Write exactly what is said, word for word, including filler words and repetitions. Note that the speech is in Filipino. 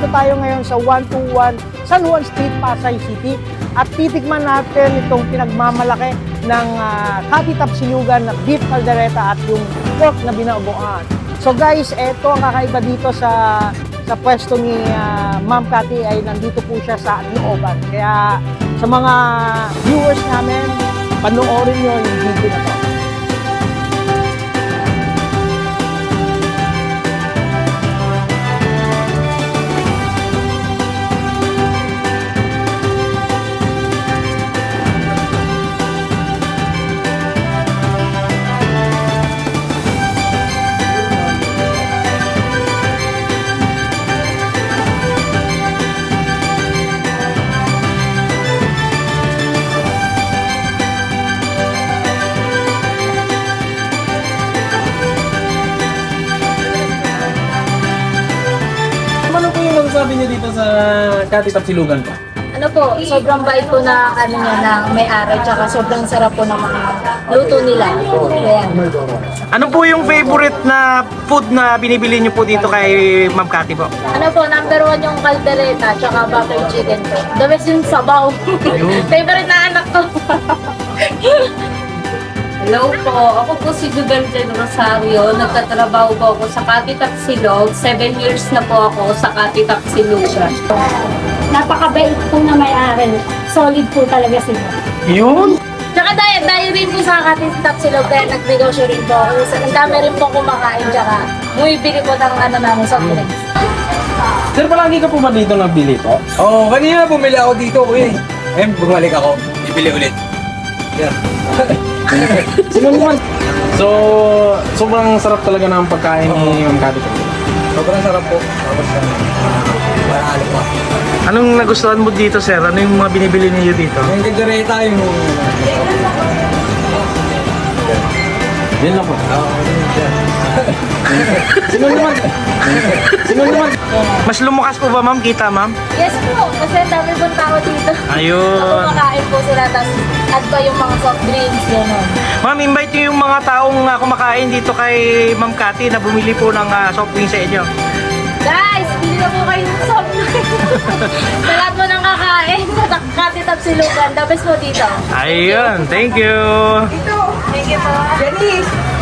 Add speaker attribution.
Speaker 1: nandito tayo ngayon sa one two one San Juan Street, Pasay City. At titikman natin itong pinagmamalaki ng uh, Catty Tapsilugan na beef caldereta at yung pork na binagoan. So guys, eto ang kakaiba dito sa sa pwesto ni uh, Ma'am Catty ay nandito po siya sa looban. Kaya sa mga viewers namin, panoorin nyo yung video na to.
Speaker 2: Sabi niyo dito sa Catty Tapsilugan po?
Speaker 3: Ano po, sobrang bait po na ano niya na may-ari, tsaka sobrang sarap po ng mga luto nila. Ayan.
Speaker 1: Ano po yung favorite na food na binibili niyo po dito kay Ma'am Catty po?
Speaker 3: Ano po, number one yung caldereta, tsaka butter chicken po. The best yung sabaw. Favorite na anak ko.
Speaker 4: Hello po, ako po si Jubel Jen Rosario. Nagtatrabaho po ako sa Catty Tapsilog. Seven years na po ako sa Catty Tapsilugan.
Speaker 5: Napakabait po na may-ari. Solid po talaga sila.
Speaker 1: Yun?
Speaker 3: Tsaka dahil, dahil rin po sa Catty Tapsilog, kaya nagnegosyo rin po ako. Ang dami rin po kumakain, tsaka bumibili po ng ano namin, soft drinks.
Speaker 2: Sir, palagi ka po ba dito nabili po?
Speaker 6: Oo, oh, kanina bumili ako dito, kuya. Eh, bumalik ako. Bibili ulit. Yeah.
Speaker 2: Sino naman? So, sobrang sarap talaga ng pagkain ni Ma'am Catty.
Speaker 6: Sobrang sarap po. Tapos, uh, maralo pa.
Speaker 1: Anong nagustuhan mo dito, sir? Ano yung mga binibili niyo dito?
Speaker 6: Yung kaldereta, yung...
Speaker 2: Yan lang po.
Speaker 6: Oo, yun siya.
Speaker 2: Sino naman? Sino naman?
Speaker 1: Mas lumakas po ba, ma'am? Kita, ma'am?
Speaker 3: Yes po, kasi ang dami pong tao dito.
Speaker 1: Ayun.
Speaker 3: Kumakain po sila, tapos add pa yung mga soft drinks, gano'n.
Speaker 1: Ma'am, invite niyo yung mga taong uh, kumakain dito kay Ma'am Catty na bumili po ng uh, soft drink sa inyo.
Speaker 3: Guys, bili na po kayo ng soft drinks. Sa lahat mo nang kakain, sa Catty Tapsilugan, the best po dito.
Speaker 1: Ayun, thank you.
Speaker 3: Thank you po. Janice!